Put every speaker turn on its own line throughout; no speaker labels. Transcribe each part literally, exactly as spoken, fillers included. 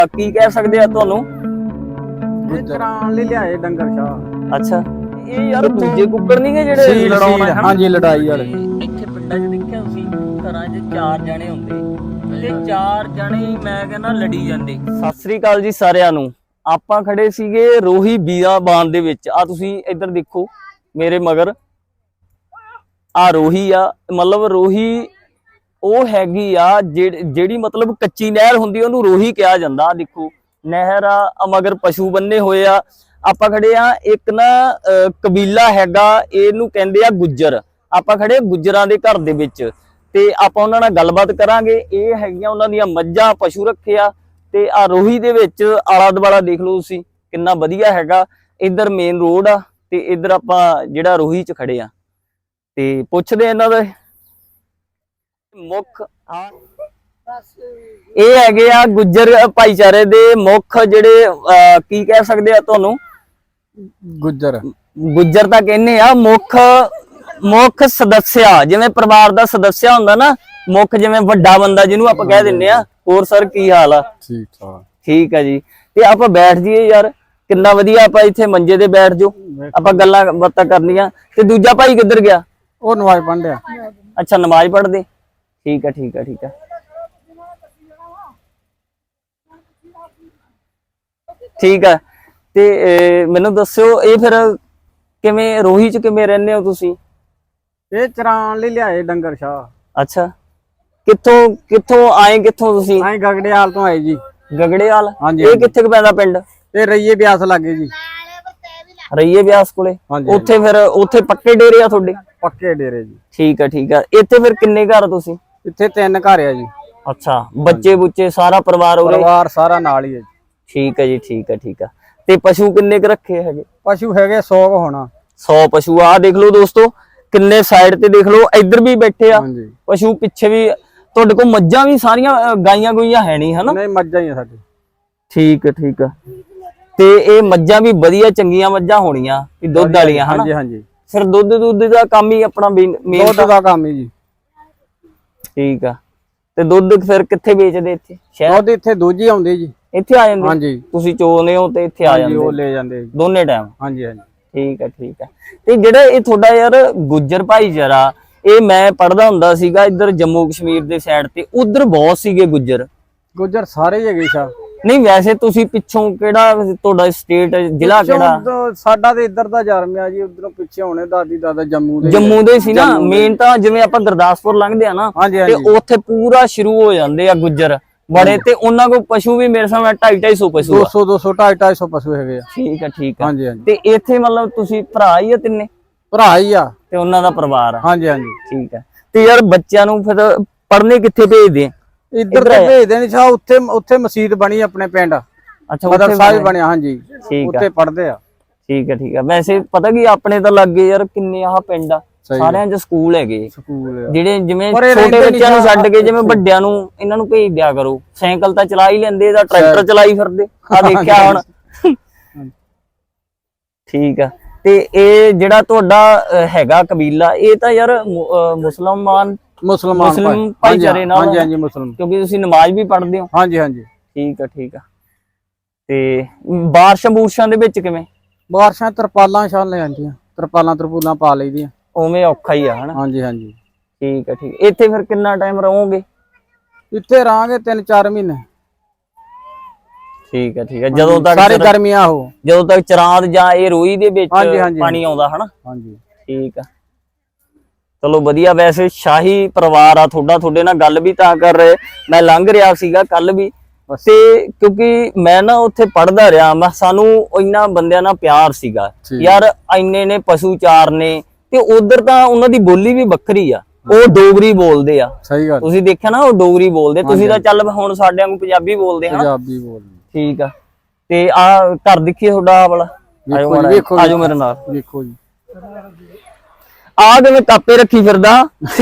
ਕੀ ਕਹਿ ਸਕਦੇ ਆ ਤੁਹਾਨੂੰ?
ਇਹ ਚਰਾਣ ਲਈ ਲਿਆਏ ਡੰਗਰ ਸ਼ਾਹ।
ਅੱਛਾ, ਇਹ ਯਾਰ ਦੂਜੇ ਕੁੱਕੜ ਨਹੀਂ ਗੇ ਜਿਹੜੇ ਲੜਾਉਣਾ?
ਹਾਂਜੀ, ਲੜਾਈ ਵਾਲੇ।
ਇੱਥੇ ਪਿੰਡਾਂ 'ਚ ਦੇਖਿਆ ਤੁਸੀਂ ਘਰਾਂ 'ਚ ਚਾਰ ਜਣੇ ਹੁੰਦੇ ਤੇ ਚਾਰ ਜਣੇ ਮੈਂ ਕਹਿੰਦਾ ਲੜੀ ਜਾਂਦੇ। ਸਤਿ ਸ੍ਰੀ ਅਕਾਲ ਜੀ ਸਾਰਿਆਂ ਨੂੰ। ਆਪਾਂ ਖੜੇ ਸੀਗੇ ਰੋਹੀ ਬੀਆਬਾਨ ਦੇ ਵਿੱਚ। ਆ ਤੁਸੀਂ ਇੱਧਰ ਦੇਖੋ ਮੇਰੇ ਮਗਰ, ਆ ਰੋਹੀ ਆ। ਮਤਲਬ ਰੋਹੀ ਉਹ ਹੈਗੀ ਆ ਜਿਹੜੀ ਮਤਲਬ ਕੱਚੀ ਨਹਿਰ ਹੁੰਦੀ ਉਹਨੂੰ ਰੋਹੀ ਕਿਹਾ ਜਾਂਦਾ। ਦੇਖੋ ਨਹਿਰ ਆ, ਮਗਰ ਪਸ਼ੂ ਬੰਨੇ ਹੋਏ ਆ। ਆਪਾਂ ਖੜੇ ਆ ਇੱਕ ਨਾ ਕਬੀਲਾ ਹੈਗਾ, ਇਹਨੂੰ ਕਹਿੰਦੇ ਆ ਗੁੱਜਰ। ਆਪਾਂ ਖੜੇ ਗੁੱਜਰਾਂ ਦੇ ਘਰ ਦੇ ਵਿੱਚ ਤੇ ਆਪਾਂ ਉਹਨਾਂ ਨਾਲ ਗੱਲਬਾਤ ਕਰਾਂਗੇ। ਇਹ ਹੈਗੀਆਂ ਉਹਨਾਂ ਦੀਆਂ ਮੱਝਾਂ, ਪਸ਼ੂ ਰੱਖੇ ਆ। ਤੇ ਆ ਰੋਹੀ ਦੇ ਵਿੱਚ ਆਲਾ ਦੁਆਲਾ ਦੇਖ ਲਓ ਤੁਸੀਂ ਕਿੰਨਾ ਵਧੀਆ ਹੈਗਾ। ਇੱਧਰ ਮੇਨ ਰੋਡ ਆ ਤੇ ਇੱਧਰ ਆਪਾਂ ਜਿਹੜਾ ਰੋਹੀ 'ਚ ਖੜੇ ਆ ਤੇ ਪੁੱਛਦੇ ਇਹਨਾਂ ਦਾ ਮੁੱਖ। ਇਹ ਹੈਗੇ ਆ ਗੁੱਜਰ ਭਾਈਚਾਰੇ ਦੇ ਮੁੱਖ ਜਿਹੜੇ ਕੀ ਕਹਿ ਸਕਦੇ ਆ ਤੁਹਾਨੂੰ?
ਗੁੱਜਰ
ਗੁੱਜਰ ਤਾਂ ਕਹਿੰਦੇ ਆ ਮੁੱਖ ਮੁੱਖ ਸਦੱਸਿਆ, ਜਿਵੇਂ ਪਰਿਵਾਰ ਦਾ ਸਦੱਸਿਆ ਹੁੰਦਾ ਨਾ ਮੁੱਖ, ਜਿਵੇਂ ਵੱਡਾ ਬੰਦਾ ਜਿਹਨੂੰ ਆਪਾਂ ਕਹਿ ਦਿੰਦੇ ਆ। ਹੋਰ ਸਰ ਕੀ ਹਾਲ ਆ?
ਠੀਕ ਠਾਕ।
ਠੀਕ ਆ ਜੀ। ਤੇ ਆਪਾਂ ਬੈਠ ਜਾਈਏ ਯਾਰ, ਕਿੰਨਾ ਵਧੀਆ। ਆਪਾਂ ਇੱਥੇ ਮੰਜੇ ਤੇ ਬੈਠ ਜਾਓ, ਆਪਾਂ ਗੱਲਾਂ ਬਾਤਾਂ ਕਰਨੀਆਂ। ਤੇ ਦੂਜਾ ਭਾਈ ਕਿੱਧਰ ਗਿਆ?
ਉਹ ਨਮਾਜ਼ ਪੜ੍ਹਨ ਡਿਆ।
ਅੱਛਾ, ਨਮਾਜ਼ ਪੜ੍ਹਦੇ। ਠੀਕ ਆ ਠੀਕ ਆ ਠੀਕ ਆ ਠੀਕ ਆ। ਤੇ ਮੈਨੂੰ ਦੱਸਿਓ ਇਹ ਫਿਰ ਕਿਵੇਂ ਰੋਹੀ 'ਚ ਕਿਵੇਂ ਰਹਿੰਦੇ ਹੋ ਤੁਸੀਂ?
ਇਹ ਚਰਾਣ ਲਈ ਲਿਆਏ ਡੰਗਰ ਸ਼ਾਹ।
ਅੱਛਾ, ਕਿੱਥੋਂ ਕਿੱਥੋਂ ਆਏ? ਕਿੱਥੋਂ ਤੁਸੀਂ?
ਆਏ ਗਗੜੇਵਾਲ ਤੋਂ ਆਏ ਜੀ।
ਗਗੜੇਵਾਲ?
ਹਾਂਜੀ।
ਇਹ ਕਿੱਥੇ ਕੁ ਪੈਂਦਾ ਪਿੰਡ?
ਇਹ ਰਈਏ ਬਿਆਸ ਲੱਗੇ ਜੀ।
ਰਈਏ ਬਿਆਸ ਕੋਲੇ? ਉੱਥੇ ਫਿਰ ਉੱਥੇ ਪੱਕੇ ਡੇਰੇ ਆ ਤੁਹਾਡੇ?
ਪੱਕੇ ਡੇਰੇ ਜੀ।
ਠੀਕ ਆ ਠੀਕ ਆ। ਇੱਥੇ ਫਿਰ ਕਿੰਨੇ ਘਰ ਤੁਸੀਂ?
ਇੱਥੇ ਤਿੰਨ ਘਰ ਆ ਜੀ।
ਅੱਛਾ, ਬੱਚੇ ਬੁੱਚੇ ਸਾਰਾ ਪਰਿਵਾਰ ਉਰੇ?
ਪਰਿਵਾਰ ਸਾਰਾ ਨਾਲ ਹੀ ਹੈ ਜੀ।
ਠੀਕ ਹੈ ਜੀ ਠੀਕ ਹੈ ਠੀਕ ਆ। ਤੇ ਪਸ਼ੂ ਕਿੰਨੇ ਕੁ ਰੱਖੇ ਹੈਗੇ?
ਪਸ਼ੂ ਹੈਗੇ ਸੌ ਹੋਣਾ।
ਸੌ ਪਸ਼ੂ ਆ। ਦੇਖ ਲਓ ਦੋਸਤੋ ਕਿੰਨੇ ਸਾਈਡ ਤੇ ਦੇਖ ਲਓ, ਇੱਧਰ ਵੀ ਬੈਠੇ ਆ ਪਸ਼ੂ, ਪਿੱਛੇ ਵੀ। ਤੁਹਾਡੇ ਕੋਲ ਮੱਝਾਂ ਵੀ ਸਾਰੀਆਂ, ਗਾਈਆਂ ਗੁਈਆਂ ਹੈ ਨਹੀਂ ਹਨਾ?
ਨਹੀਂ, ਮੱਝਾਂ ਹੀ ਆ ਸਾਡੇ।
ਠੀਕ ਹੈ ਠੀਕ ਆ। ਤੇ ਇਹ ਮੱਝਾਂ ਵੀ ਵਧੀਆ ਚੰਗੀਆਂ ਮੱਝਾਂ ਹੋਣੀਆਂ, ਦੁੱਧ ਵਾਲੀਆਂ ਹਨਾ?
ਹਾਂਜੀ ਹਾਂਜੀ।
ਫਿਰ ਦੁੱਧ ਦੁੱਧ ਦਾ ਕੰਮ ਹੀ ਆਪਣਾ ਮੇਨ
ਦੁੱਧ ਦਾ ਕੰਮ ਹੀ ਜੀ।
ਠੀਕ ਆ। ਤੇ ਦੁੱਧ ਫਿਰ ਕਿੱਥੇ ਵੇਚਦੇ? ਇੱਥੇ ਸ਼ਹਿਰ?
ਦੁੱਧ ਇੱਥੇ ਦੂਜੀ ਆਉਂਦੀ ਜੀ।
ਇੱਥੇ ਆ ਜਾਂਦੇ?
ਹਾਂਜੀ।
ਤੁਸੀਂ ਚੋਨੇ ਹੋ ਤੇ ਇੱਥੇ ਆ ਜਾਂਦੇ?
ਉਹ ਲੈ ਜਾਂਦੇ
ਦੋਨੇ ਟਾਈਮ?
ਹਾਂਜੀ ਹਾਂਜੀ।
ਠੀਕ ਹੈ ਠੀਕ ਹੈ। ਤੇ ਜਿਹੜਾ ਇਹ ਤੁਹਾਡਾ ਯਾਰ ਗੁੱਜਰ ਭਾਈਚਾਰਾ, ਇਹ ਮੈਂ ਪੜ੍ਹਦਾ ਹੁੰਦਾ ਸੀਗਾ ਇੱਧਰ ਜੰਮੂ ਕਸ਼ਮੀਰ ਦੇ ਸਾਈਡ ਤੇ, ਉਧਰ ਬਹੁਤ ਸੀਗੇ ਗੁੱਜਰ।
ਗੁੱਜਰ ਸਾਰੇ ਹੀ ਹੈਗੇ ਸ਼ਾ।
ਨਹੀਂ ਵੈਸੇ ਤੁਸੀਂ ਪਿੱਛੋਂ ਕਿਹੜਾ ਤੁਹਾਡਾ ਸਟੇਟ ਜ਼ਿਲ੍ਹਾ ਕਿਹੜਾ?
ਸਾਡਾ ਤੇ ਇੱਧਰ ਦਾ ਜਰਮਿਆ ਜੀ। ਉਧਰੋਂ ਪਿੱਛੇ ਹੋਣੇ ਦਾਦੀ ਦਾਦਾ ਜੰਮੂ ਦੇ।
ਜੰਮੂ ਦੇ ਸੀ ਨਾ ਮੇਨ ਤਾਂ। ਜਿਵੇਂ ਆਪਾਂ ਗੁਰਦਾਸਪੁਰ ਲੰਘਦੇ ਆ ਨਾ ਤੇ ਉੱਥੇ ਪੂਰਾ ਸ਼ੁਰੂ ਹੋ ਜਾਂਦੇ ਆ ਗੁੱਜਰ ਬੜੇ। ਤੇ ਉਹਨਾਂ ਕੋਲ ਪਸ਼ੂ ਵੀ ਮੇਰੇ ਸਾਹਮਣੇ ਢਾਈ ਢਾਈ ਸੌ ਪਸ਼ੂ,
ਦੋ ਸੌ ਦੋ ਸੌ ਢਾਈ ਢਾਈ ਸੌ ਪਸ਼ੂ ਹੈਗੇ ਆ।
ਠੀਕ ਹੈ ਠੀਕ ਹੈ।
ਹਾਂਜੀ ਹਾਂਜੀ।
ਤੇ ਇੱਥੇ ਮਤਲਬ ਤੁਸੀਂ ਭਰਾ ਹੀ ਆ ਤਿੰਨੇ?
ਭਰਾ ਹੀ ਆ
ਤੇ ਉਹਨਾਂ ਦਾ ਪਰਿਵਾਰ ਆ?
ਹਾਂਜੀ ਹਾਂਜੀ।
ਠੀਕ ਹੈ। ਤੇ ਯਾਰ ਬੱਚਿਆਂ ਨੂੰ ਫਿਰ ਪੜ੍ਹਨੇ ਕਿੱਥੇ ਭੇਜਦੇ?
ਇੱਧਰ ਤੇ ਭੇਜਦੇ ਨਹੀਂ ਸ਼ਾ। ਉੱਥੇ ਉੱਥੇ ਮਸਜਿਦ ਬਣੀ ਆਪਣੇ ਪਿੰਡ।
ਅੱਛਾ,
ਮਦਰਸਾ ਵੀ ਬਣਿਆ। ਹਾਂਜੀ, ਉੱਥੇ ਪੜ੍ਹਦੇ ਆ।
ਠੀਕ ਹੈ ਠੀਕ ਹੈ। ਵੈਸੇ ਪਤਾ ਕੀ ਆਪਣੇ ਤਾਂ ਲੱਗੇ ਯਾਰ ਕਿੰਨੇ ਆਹ ਪਿੰਡ ਆ, ਸਾਰਿਆਂ 'ਚ ਸਕੂਲ ਹੈਗੇ।
ਸਕੂਲ
ਜਿਹੜੇ ਜਿਵੇਂ ਛੋਟੇ ਬੱਚਿਆਂ ਨੂੰ ਛੱਡ ਕੇ ਜਿਵੇਂ ਵੱਡਿਆਂ ਨੂੰ ਇਹਨਾਂ ਨੂੰ ਭੇਜ ਦਿਆ ਕਰੋ। ਸਾਈਕਲ ਤਾਂ ਚਲਾ ਹੀ ਲੈਂਦੇ, ਇਹਦਾ ਟਰੈਕਟਰ ਚਲਾਈ ਫਿਰਦੇ ਆ ਦੇਖਿਆ ਹੁਣ। ਠੀਕ ਆ। ਤੇ ਇਹ ਜਿਹੜਾ ਤੁਹਾਡਾ ਹੈਗਾ ਕਬੀਲਾ, ਇਹ ਤਾਂ ਯਾਰ ਮੁਸਲਮਾਨ
ਮੁਸਲਮਾਨ
ਮੁਸਲਿਮ ਭਾਈਚਾਰੇ ਨਾਲ?
ਹਾਂਜੀ ਹਾਂਜੀ, ਮੁਸਲਮਾਨ।
ਕਿਉਂਕਿ ਤੁਸੀਂ ਨਮਾਜ਼ ਵੀ ਪੜ੍ਹਦੇ ਹੋ?
ਹਾਂਜੀ ਹਾਂਜੀ।
ਠੀਕ ਆ ਠੀਕ ਆ। ਤੇ ਬਾਰਿਸ਼ਾਂ ਬੂਰਸ਼ਾਂ ਦੇ ਵਿੱਚ ਕਿਵੇਂ?
ਬਾਰਿਸ਼ਾਂ ਤਰਪਾਲਾਂ ਛਾਲ ਲੈ ਜਾਂਦੀਆਂ, ਤਰਪਾਲਾਂ ਤਰਪੂਲਾਂ ਪਾ ਲਈਦੀਆਂ।
ਉਵੇਂ ਔਖਾ ਹੀ ਆ ਹਨਾ?
ਹਾਂਜੀ ਹਾਂਜੀ।
ਠੀਕ ਆ ਠੀਕ। ਇੱਥੇ ਫਿਰ ਕਿੰਨਾ ਟਾਈਮ ਰਹੋਗੇ?
ਇੱਥੇ ਰਹਾਂਗੇ ਤਿੰਨ ਚਾਰ ਮਹੀਨੇ।
ਠੀਕ ਹੈ ਠੀਕ ਹੈ। ਜਦੋਂ ਤੱਕ
ਸਾਰੀ ਗਰਮੀਆਂ ਹੋ,
ਜਦੋਂ ਤੱਕ ਚਰਾਂਦ ਜਾਂ ਇਹ ਰੋਈ ਦੇ ਵਿੱਚ ਪਾਣੀ ਆਉਂਦਾ ਹਨਾ?
ਹਾਂਜੀ।
ਠੀਕ ਆ ਚਲੋ ਵਧੀਆ। ਵੈਸੇ ਸ਼ਾਹੀ ਪਰਿਵਾਰ ਆ ਤੁਹਾਡਾ। ਤੁਹਾਡੇ ਨਾਲ ਗੱਲ ਵੀ ਤਾਂ ਕਰ ਰਹੇ, ਮੈਂ ਲੰਘ ਰਿਹਾ ਸੀਗਾ ਕੱਲ ਵੀ। ਤੇ ਕਿਉਂਕਿ ਮੈਂ ਨਾ ਉੱਥੇ ਪੜ੍ਹਦਾ ਰਿਹਾ, ਮੈਂ ਸਾਨੂੰ ਇੰਨਾ ਬੰਦਿਆਂ ਨਾਲ ਪਿਆਰ ਸੀਗਾ ਯਾਰ। ਇੰਨੇ ਨੇ ਪਸ਼ੂ ਚਾਰਨੇ ਤੇ ਉਧਰ ਤਾਂ ਉਹਨਾਂ ਦੀ ਬੋਲੀ ਵੀ ਵੱਖਰੀ ਆ। ਉਹ ਡੋਗਰੀ ਬੋਲਦੇ ਆ।
ਸਹੀ ਗੱਲ।
ਤੁਸੀਂ ਦੇਖਿਆ ਨਾ, ਉਹ ਡੋਗਰੀ ਬੋਲਦੇ। ਤੁਸੀਂ ਤਾਂ ਚੱਲ ਹੁਣ ਸਾਡੇ ਵਾਂਗੂ ਪੰਜਾਬੀ ਬੋਲਦੇ ਹਾਂ।
ਪੰਜਾਬੀ ਬੋਲਦੇ।
ਠੀਕ ਆ। ਤੇ ਆ ਘਰ ਦੇਖੀਏ ਤੁਹਾਡਾ ਵਾਲਾ। ਆਜੋ ਮੇਰੇ ਨਾਲ।
ਦੇਖੋ ਜੀ
ਆ ਕਿਵੇਂ ਕਾਪੇ ਰੱਖੀ ਫਿਰਦਾ।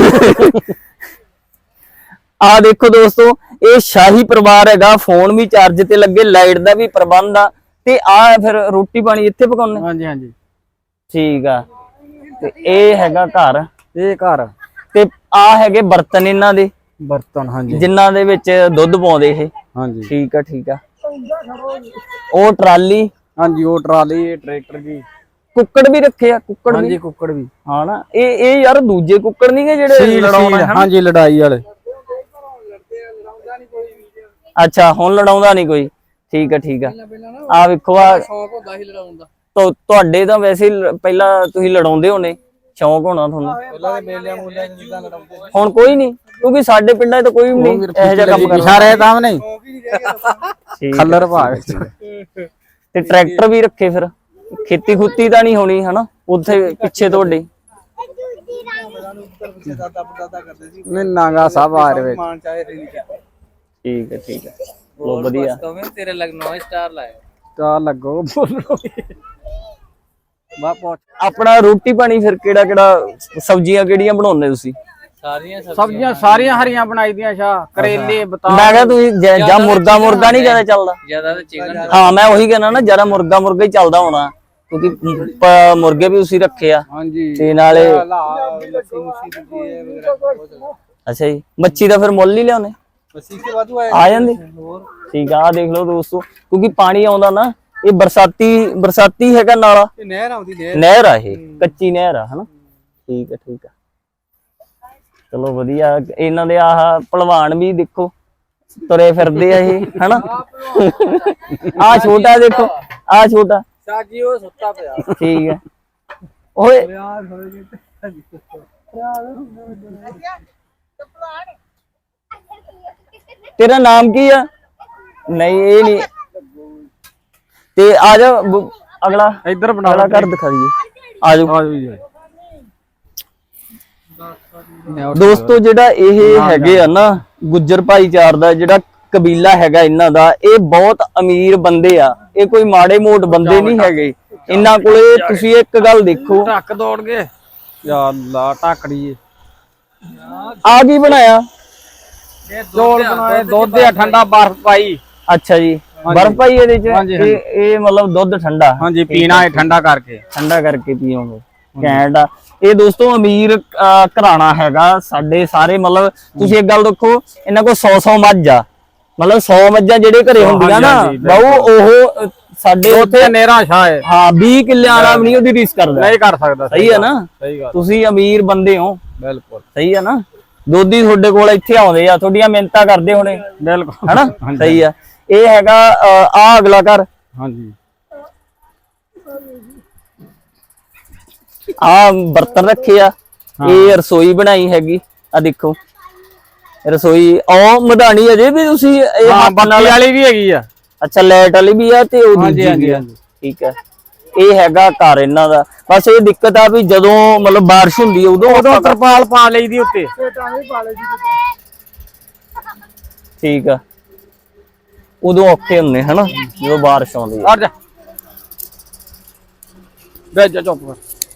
ਆ ਦੇਖੋ ਦੋਸਤੋ, ਇਹ ਸ਼ਾਹੀ ਪਰਿਵਾਰ ਹੈਗਾ। ਫੋਨ ਵੀ ਚਾਰਜ ਤੇ ਲੱਗੇ, ਲਾਈਟ ਦਾ ਵੀ ਪ੍ਰਬੰਧ ਆ। ਤੇ ਆ ਫਿਰ ਰੋਟੀ ਪਾਣੀ ਇੱਥੇ ਪਕਾਉਣੇ?
ਹਾਂਜੀ ਹਾਂਜੀ।
ਠੀਕ ਆ। ਤੇ ਇਹ ਹੈਗਾ ਘਰ?
ਇਹ ਘਰ।
ਤੇ ਆ ਹੈਗੇ ਬਰਤਨ ਇਹਨਾਂ ਦੇ?
ਬਰਤਨ ਹਾਂਜੀ,
ਜਿਨ੍ਹਾਂ ਦੇ ਵਿੱਚ ਦੁੱਧ ਪਾਉਂਦੇ ਇਹ?
ਹਾਂਜੀ।
ਠੀਕ ਆ ਠੀਕ ਆ। ਉਹ ਟਰਾਲੀ,
ਹਾਂਜੀ ਉਹ ਟਰਾਲੀ, ਇਹ ਟਰੈਕਟਰ ਜੀ।
ਕੁੱਕੜ ਵੀ ਰੱਖੇ ਆ, ਕੁੱਕੜ ਵੀ
ਹਾਂਜੀ ਕੁੱਕੜ ਵੀ।
ਹਾਂ ਨਾ, ਇਹ ਇਹ ਯਾਰ ਦੂਜੇ ਕੁੱਕੜ ਨਹੀਂ ਗੇ ਜਿਹੜੇ
ਸੀਲ
ਲੜਾਉਣਾ
ਸੀਲ
ਹੈ?
ਹਾਂਜੀ ਲੜਾਈ ਵਾਲੇ।
ਅੱਛਾ ਹੁਣ ਲੜਾਉਂਦਾ ਨਹੀਂ ਕੋਈ, ਠੀਕ ਹੈ ਠੀਕ ਹੈ। ਆ ਵੇਖੋ ਆ
ਸ਼ੌਂਕ ਹੁੰਦਾ ਸੀ ਲੜਾਉਣ ਦਾ।
ਤੁ- ਤੁਹਾਡੇ ਤਾਂ ਵੈਸੇ ਹੀ ਲ- ਪਹਿਲਾਂ ਤੁਸੀਂ ਲੜਾਉਂਦੇ ਹੋਣੇ, ਸ਼ੌਂਕ ਹੋਣਾ ਤੁਹਾਨੂੰ।
ਪਹਿਲਾਂ ਦੇ ਮੇਲਿਆਂ ਮੂਲਿਆਂ ਚ ਜਿੱਦਾਂ ਲੜਾਉਂਦੇ ਸੀ।
ਹੁਣ ਕੋਈ ਨਹੀਂ, ਕਿਉਂਕਿ ਸਾਡੇ ਪਿੰਡਾਂ 'ਚ ਤਾਂ ਕੋਈ ਵੀ ਨਹੀਂ ਇਹੋ ਜਿਹਾ ਕੰਮ ਕਰਦਾ।
ਸਾਰੇ ਤਾਂ ਨਹੀਂ
ਠੀਕ ਹੈ।
ਖੱਲਰ ਭਾਗ
ਤੇ ਟਰੈਕਟਰ ਵੀ ਰੱਖੇ ਫਿਰ, ਖੇਤੀ ਖੁੱਤੀ ਤਾਂ ਨਹੀਂ ਹੋਣੀ ਹਨਾ ਉੱਥੇ ਪਿੱਛੇ ਤੁਹਾਡੇ?
ਨਹੀਂ ਨਾਗਾ ਸਭ ਆ ਰਹੇ ਵਿੱਚ।
ਠੀਕ ਹੈ ਠੀਕ ਹੈ, ਬਹੁਤ ਵਧੀਆ।
ਤੇਰੇ ਲੱਗ ਨੌ ਸਟਾਰ ਲਾਇਆ ਤਾਂ ਲੱਗੋ ਬੋਲੋ ਬਾ ਪਹੁੰਚ।
ਆਪਣਾ ਰੋਟੀ ਪਾਣੀ ਫਿਰ ਕਿਹੜਾ ਕਿਹੜਾ, ਸਬਜ਼ੀਆਂ ਕਿਹੜੀਆਂ ਬਣਾਉਂਦੇ ਤੁਸੀਂ?
ਸਾਰੀਆਂ ਸਬਜ਼ੀਆਂ ਸਾਰੀਆਂ ਹਰੀਆਂ ਬਣਾਈ ਦੀਆਂ ਸ਼ਾ, ਕਰੇਲੇ ਬਤਾ।
ਮੈਂ ਕਿਹਾ ਤੁਸੀਂ ਜ- ਜਾਂ ਮੁਰਗਾ ਮੁਰਗਾ ਨਹੀਂ ਜ਼ਿਆਦਾ ਚੱਲਦਾ?
ਜਿਆਦਾ ਤਾਂ ਚਿਕਨ।
ਹਾਂ ਮੈਂ ਉਹੀ ਕਹਿਣਾ ਨਾ, ਜ਼ਿਆਦਾ ਮੁਰਗਾ ਮੁਰਗਾ ਹੀ ਚੱਲਦਾ ਹੋਣਾ, ਕਿਉਂਕਿ ਪ- ਮੁਰਗੇ ਵੀ ਤੁਸੀਂ ਰੱਖੇ ਆ
ਹਾਂਜੀ
ਤੇ ਨਾਲੇ।
ਲੱਸੀ ਮੁੱਸੀ ਦੂਜੀ ਵਗੈਰਾ ਬਹੁਤ।
ਅੱਛਾ ਜੀ, ਮੱਛੀ ਦਾ ਫਿਰ ਮੁੱਲ ਹੀ ਲਿਆਉਣੇ?
ਲੱਸੀ ਕੇ ਵਾਧੂ ਆਏ
ਆ ਜਾਂਦੀ। ਠੀਕ ਆ, ਆਹ ਦੇਖ ਲਓ ਦੋਸਤੋ, ਕਿਉਂਕਿ ਪਾਣੀ ਆਉਂਦਾ ਨਾ, ਇਹ ਬਰਸਾਤੀ ਬਰਸਾਤੀ ਹੈਗਾ ਨਾਲਾ,
ਇਹ ਨਹਿਰ ਆਉਂਦੀ ਨਹਿਰ।
ਨਹਿਰ ਆ ਇਹ, ਕੱਚੀ ਨਹਿਰ ਆ ਹਨਾ। ਠੀਕ ਹੈ ਠੀਕ ਆ, ਚਲੋ ਵਧੀਆ। ਇਹਨਾਂ ਦੇ ਆਹ ਭਲਵਾਨ ਵੀ ਦੇਖੋ ਤੁਰੇ ਫਿਰਦੇ ਆ ਇਹ ਹਨਾ। ਆ ਛੋਟਾ ਦੇਖੋ, ਆ ਛੋਟਾ
ਸਾਜੀ ਉਹ ਸੁੱਤਾ ਪਿਆ।
ਠੀਕ ਹੈ। ਓਏ ਤੇਰਾ ਨਾਮ ਕੀ ਆ? ਨਹੀਂ ਇਹ ਨਹੀਂ, ਤੇ ਆ ਜਾ ਬ- ਅਗਲਾ
ਇੱਧਰ ਬਣਾ
ਅਗਲਾ ਘਰ ਦਿਖਾ ਦਈਏ, ਆ ਜਾਓ। ਦੋਸਤੋ ਜਿਹੜਾ ਇਹ ਹੈਗੇ ਆ ਨਾ ਗੁੱਜਰ ਭਾਈਚਾਰ ਦਾ ਜਿਹੜਾ ਕਬੀਲਾ ਹੈਗਾ ਇਹਨਾਂ ਦਾ, ਇਹ ਬਹੁਤ ਅਮੀਰ ਬੰਦੇ ਆ, ਇਹ ਕੋਈ ਮਾੜੇ ਮੋਟ ਬੰਦੇ ਨਹੀਂ ਹੈਗੇ। ਇਹਨਾਂ ਕੋਲੇ ਤੁਸੀਂ ਇੱਕ ਗੱਲ ਦੇਖੋ,
ਟੱਕ ਦੌੜ ਗਏ ਯਾ ਅੱਲਾ ਟਾਕੜੀ।
ਆ ਕੀ ਬਣਾਇਆ?
ਚੌਲ ਬਣਾਏ, ਦੁੱਧ ਆ ਠੰਡਾ, ਬਰਫ ਪਾਈ।
ਅੱਛਾ ਜੀ, ਬਰਫ ਪਾਈ ਇਹਦੇ ਚ? ਇਹ ਇਹ ਮਤਲਬ ਦੁੱਧ ਠੰਡਾ?
ਹਾਂਜੀ ਪੀਣਾ ਹੈ ਠੰਡਾ ਕਰਕੇ,
ਠੰਡਾ ਕਰਕੇ ਪੀਓਗੇ, ਘੈਂਟ ਆ। ਇਹ ਦੋਸਤੋ ਅਮੀਰ ਅਹ, ਘਰਾਣਾ ਹੈਗਾ ਸਾਡੇ ਸਾਰੇ। ਮਤਲਬ ਤੁਸੀਂ ਇੱਕ ਗੱਲ ਦੇਖੋ, ਇਹਨਾਂ ਕੋਲ ਸੌ ਸੌ ਮੱਝ ਆ, ਮਤਲਬ ਸੌ ਮੱਝਾਂ ਜਿਹੜੇ ਘਰੇ ਹੁੰਦੀਆਂ ਨਾ ਬਾਊ, ਉਹ ਸਾਡੇ
ਉੱਥੇ ਨੇਰਾ ਸ਼ਾਹ ਹੈ।
ਹਾਂ ਵੀਹ ਕਿੱਲਿਆਂ ਵਾਲਾ ਵੀ ਨਹੀਂ ਉਹਦੀ ਰੀਸ ਕਰਦਾ।
ਨਹੀਂ ਕਰ ਸਕਦਾ।
ਸਹੀ ਹੈ ਨਾ?
ਸਹੀ ਗੱਲ।
ਤੁਸੀਂ ਅਮੀਰ ਬੰਦੇ ਹੋ,
ਬਿਲਕੁਲ
ਸਹੀ ਹੈ ਨਾ? ਦੋਧੀ ਤੁਹਾਡੇ ਕੋਲ ਇੱਥੇ ਆਉਂਦੇ ਆ, ਤੁਹਾਡੀਆਂ ਮਿਹਨਤਾਂ ਕਰਦੇ ਹੋਣੇ,
ਬਿਲਕੁਲ
ਹਨਾ? ਸਹੀ ਆ। ਇਹ ਹੈਗਾ ਆ ਅਗਲਾ ਘਰ,
ਹਾਂਜੀ
ਆ ਬਰਤਨ ਰੱਖੇ ਆ, ਇਹ ਰਸੋਈ ਬਣਾਈ ਹੈਗੀ ਆ, ਦੇਖੋ ਰਸੋਈ। ਉਹ ਮਧਾਣੀ ਅਜੇ ਵੀ ਤੁਸੀਂ ਇਹ
ਹਾਂ,
ਹੱਥ
ਬੱਤੀ
ਨਾਲ?
ਵਾਲੀ ਵੀ ਹੈਗੀ ਆ।
ਅੱਛਾ ਲਾਈਟ ਵਾਲੀ ਵੀ ਆ ਤੇ ਉਹ ਦੂਜੀ ਵੀ ਆ। ਠੀਕ ਹੈ, ਇਹ ਹੈਗਾ ਘਰ ਇਹਨਾਂ ਦਾ। ਬਸ ਇਹ ਦਿੱਕਤ ਆ ਵੀ ਜਦੋਂ ਮਤਲਬ ਬਾਰਿਸ਼ ਹੁੰਦੀ ਹੈ ਉਦੋਂ
ਉਦੋਂ ਤਰਪਾਲ ਪਾ ਲਈਦੀ ਉੱਤੇ।
ਠੀਕ ਆ, ਉਦੋਂ ਔਖੇ ਹੁੰਦੇ ਹਨਾ ਜਦੋਂ ਬਾਰਿਸ਼ ਆਉਂਦੀ ਹੈ।
ਹਟ ਜਾ ਬੈਠ ਜਾ ਚੁੱਪ ਕਰ।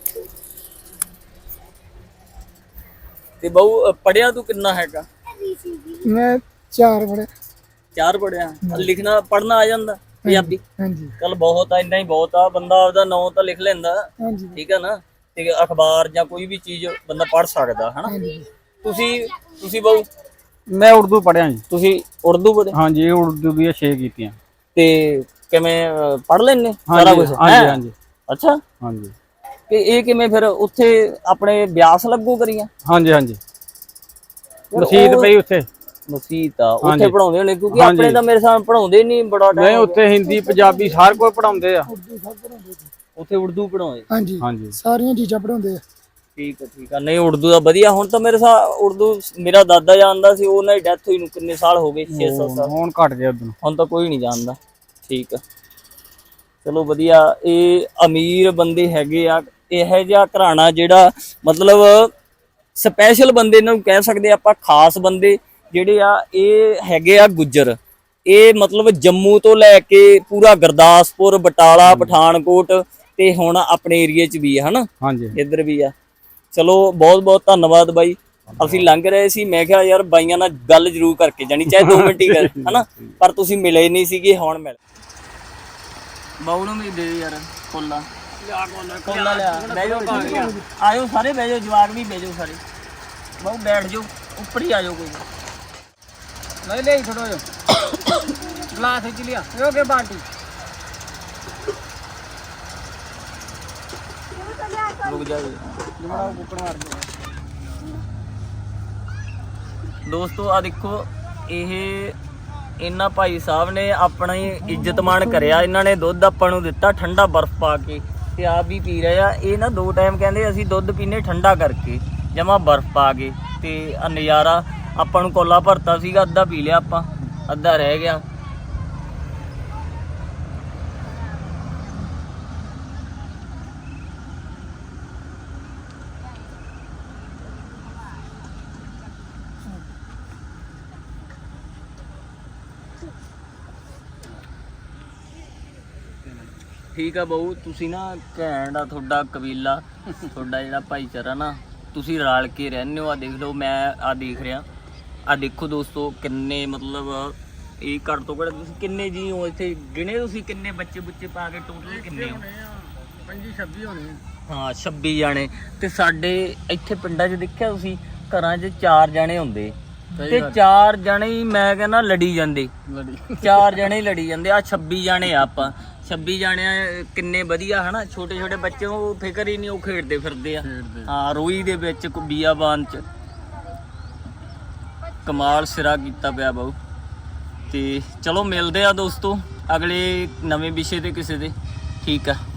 ਤੇ ਬਹੁ ਪੜਿਆ ਤੂੰ ਕਿੰਨਾ ਹੈਗਾ?
ਮੈਂ ਚਾਰ ਪੜਿਆ।
ਚਾਰ ਪੜਿਆ? ਲਿਖਣਾ ਪੜਨਾ ਆ ਜਾਂਦਾ ਪੰਜਾਬੀ?
ਹਾਂਜੀ
ਚੱਲ ਬਹੁਤ ਆ, ਇੰਨਾ ਹੀ ਬਹੁਤ ਆ। ਬੰਦਾ ਆਪਦਾ ਨਾਂ ਤਾਂ ਲਿਖ ਲੈਂਦਾ,
ਹਾਂਜੀ
ਠੀਕ ਹੈ ਨਾ? ਤੇ ਅਖਬਾਰ ਜਾਂ ਕੋਈ ਵੀ ਚੀਜ਼ ਬੰਦਾ ਪੜ ਸਕਦਾ ਹਨਾ। ਤੁਸੀਂ ਤੁਸੀਂ ਬਹੁ
ਮੈਂ ਉਰਦੂ ਪੜਿਆ ਜੀ।
ਤੁਸੀਂ ਉਰਦੂ ਪੜ੍ਹੇ?
ਹਾਂਜੀ ਉਰਦੂ ਦੀਆਂ ਛੇ ਕੀਤੀਆਂ।
ਤੇ ਕਿਵੇਂ ਪੜ ਲੈਣੇ ਸਾਰਾ ਕੁਝ?
ਹਾਂਜੀ ਹਾਂਜੀ
ਅੱਛਾ,
ਹਾਂਜੀ।
ਤੇ ਇਹ ਕਿਵੇਂ ਫਿਰ ਉੱਥੇ ਆਪਣੇ ਬਿਆਸ ਲੱਗੂ ਕਰੀਆਂ?
ਹਾਂਜੀ ਹਾਂਜੀ ਮਸਜਿਦ ਪਈ ਉੱਥੇ।
ਮਸਜਿਦ ਆ ਉੱਥੇ ਪੜਾਉਂਦੇ ਹੋਣੇ, ਕਿਉਂਕਿ ਆਪਣੇ ਤਾਂ ਮੇਰੇ ਸਾਹਮਣੇ ਪੜਾਉਂਦੇ ਨਹੀਂ ਬੜਾ ਟਾਈਮ।
ਨਹੀਂ ਉੱਥੇ ਹਿੰਦੀ ਪੰਜਾਬੀ ਸਾਰ ਕੋਈ ਪੜਾਉਂਦੇ ਆ।
ਉੱਥੇ ਉਰਦੂ ਪੜਾਉਂਦੇ?
ਹਾਂਜੀ
ਹਾਂਜੀ
ਸਾਰੀਆਂ ਚੀਜ਼ਾਂ ਪੜਾਉਂਦੇ ਆ।
ਠੀਕ ਹੈ ਠੀਕ ਆ। ਨਹੀਂ ਉਰਦੂ ਦਾ ਵਧੀਆ। ਹੁਣ ਤਾਂ ਮੇਰੇ ਸਾਹ ਉਰਦੂ ਮੇਰਾ ਦਾਦਾ ਜਾਣਦਾ ਸੀ, ਉਹਨਾਂ ਦੀ ਡੈਥ ਹੋਈ ਨੂੰ ਕਿੰਨੇ ਸਾਲ ਹੋ ਗਏ, ਛੇ ਸੱਤ ਸਾਲ।
ਹੁਣ ਘਟ ਗਿਆ ਉਦੋਂ।
ਹੁਣ ਤਾਂ ਕੋਈ ਨਹੀਂ ਜਾਣਦਾ। ਠੀਕ ਆ, ਚਲੋ ਵਧੀਆ। ਇਹ ਅਮੀਰ ਬੰਦੇ ਹੈਗੇ ਆ, ਇਹੋ ਜਿਹਾ ਘਰਾਣਾ ਜਿਹੜਾ ਮਤਲਬ ਸਪੈਸ਼ਲ ਬੰਦੇ ਨੂੰ ਕਹਿ ਸਕਦੇ ਆਪਾਂ, ਖਾਸ ਬੰਦੇ ਜਿਹੜੇ ਆ ਇਹ ਹੈਗੇ ਆ ਗੁੱਜਰ। ਇਹ ਮਤਲਬ ਜੰਮੂ ਤੋਂ ਲੈ ਕੇ ਪੂਰਾ ਗੁਰਦਾਸਪੁਰ, ਬਟਾਲਾ, ਪਠਾਨਕੋਟ ਤੇ ਹੁਣ ਆਪਣੇ ਏਰੀਏ 'ਚ ਵੀ ਆ ਹਨਾ,
ਹਾਂਜੀ
ਇੱਧਰ ਵੀ ਆ। ਚਲੋ ਬਹੁਤ ਬਹੁਤ ਧੰਨਵਾਦ ਬਾਈ। ਅਸੀਂ ਲੰਘ ਰਹੇ ਸੀ, ਮੈਂ ਕਿਹਾ ਯਾਰ ਬਾਈਆਂ ਨਾਲ ਗੱਲ ਜ਼ਰੂਰ ਕਰਕੇ ਜਾਣੀ, ਚਾਹੇ ਦੋ ਮਿੰਟ ਹੀ ਕਰ ਹਨਾ, ਪਰ ਤੁਸੀਂ ਮਿਲੇ ਨਹੀਂ ਸੀਗੇ, ਹੁਣ ਮਿਲ। ਬਾਉ ਨੂੰ ਵੀ ਦੇ ਯਾਰ ਕੋਲਾ ਕੋਲਾ ਲਿਆ। ਬਹਿ ਜਾਓ, ਆਇਓ ਸਾਰੇ ਬਹਿ ਜਾਓ, ਜਵਾਕ ਵੀ ਬਹਿ ਜਾਓ ਸਾਰੇ। ਬਾਉ ਬੈਠ ਜਾਓ, ਉੱਪਰ ਹੀ ਆ ਜਾਓ ਕੋਈ।
ਨਹੀਂ ਨਹੀਂ ਥੋੜਾ ਜਿਹਾ ਗਲਾਸ ਖਿੱਚ ਲਿਆ ਇਹ ਕੇ ਬਾਲਟੀ
ਰੁਕ ਜਾ
ਜਮੜਾ ਕੁੱਕੜ ਮਾਰ ਦੇ
ਦੋਸਤੋ। ਆ ਦੇਖੋ ਇਹ ਇਹਨਾਂ ਭਾਈ ਸਾਹਿਬ ਨੇ ਆਪਣੀ ਇੱਜ਼ਤ ਮਾਣ ਕਰਿਆ। ਇਹਨਾਂ ਨੇ ਦੁੱਧ ਆਪਾਂ ਨੂੰ ਦਿੱਤਾ ਠੰਡਾ ਬਰਫ਼ ਪਾ ਕੇ ਤੇ ਆਪ ਵੀ ਪੀ ਰਹੇ ਆ। ਇਹ ਨਾ ਦੋ ਟਾਈਮ ਕਹਿੰਦੇ ਅਸੀਂ ਦੁੱਧ ਪੀਨੇ ਠੰਡਾ ਕਰਕੇ ਜਮਾ ਬਰਫ਼ ਪਾ ਕੇ। ਤੇ ਆ ਨਜ਼ਾਰਾ ਆਪਾਂ ਨੂੰ ਕੋਲਾ ਭਰਤਾ ਸੀਗਾ, ਅੱਧਾ ਪੀ ਲਿਆ ਆਪਾਂ, ਅੱਧਾ ਰਹਿ ਗਿਆ। ਠੀਕ ਆ ਬਾਊ, ਤੁਸੀਂ ਨਾ ਘੈਂਟ ਆ ਤੁਹਾਡਾ ਕਬੀਲਾ, ਤੁਹਾਡਾ ਜਿਹੜਾ ਭਾਈਚਾਰਾ ਨਾ, ਤੁਸੀਂ ਰਲ ਕੇ ਰਹਿੰਦੇ ਹੋ। ਆ ਦੇਖ ਲਓ, ਮੈਂ ਆ ਦੇਖ ਰਿਹਾ, ਆ ਦੇਖੋ ਦੋਸਤੋ ਕਿੰਨੇ ਮਤਲਬ ਇਹ ਘੱਟ ਤੋਂ ਘੱਟ ਤੁਸੀਂ ਕਿੰਨੇ ਜੀ ਹੋ ਇੱਥੇ? ਗਿਣੇ ਤੁਸੀਂ ਕਿੰਨੇ ਬੱਚੇ ਬੁੱਚੇ ਪਾ ਕੇ ਟੋਟਲ ਕਿੰਨੇ ਹੋ?
ਪੰਜੀ ਛੱਬੀ ਹੋਣੇ
ਹਾਂ ਛੱਬੀ ਜਾਣੇ। ਤੇ ਸਾਡੇ ਇੱਥੇ ਪਿੰਡਾਂ 'ਚ ਦੇਖਿਆ ਤੁਸੀਂ ਘਰਾਂ 'ਚ ਚਾਰ ਜਾਣੇ ਹੁੰਦੇ ਤੇ ਚਾਰ ਜਣੇ ਹੀ ਮੈਂ ਕਹਿੰਦਾ ਲੜੀ ਜਾਂਦੇ, ਚਾਰ ਜਣੇ ਹੀ ਲੜੀ ਜਾਂਦੇ। ਆ ਛੱਬੀ ਜਾਣੇ ਆ ਆਪਾਂ, ਛੱਬੀ ਜਾਣੇ ਕਿੰਨੇ ਵਧੀਆ ਹਨਾ। ਛੋਟੇ ਛੋਟੇ ਬੱਚੇ ਉਹ ਫਿਕਰ ਹੀ ਨਹੀਂ, ਉਹ ਖੇਡਦੇ ਫਿਰਦੇ ਆ। ਹਾਂ ਰੋਈ ਦੇ ਵਿੱਚ ਬੀਆਬਾਨ ਚ ਕਮਾਲ ਸਿਰਾ ਕੀਤਾ ਪਿਆ ਬਾਊ। ਤੇ ਚਲੋ ਮਿਲਦੇ ਆ ਦੋਸਤੋ ਅਗਲੇ ਨਵੇਂ ਵਿਸ਼ੇ ਤੇ ਕਿਸੇ ਦੇ। ਠੀਕ ਆ।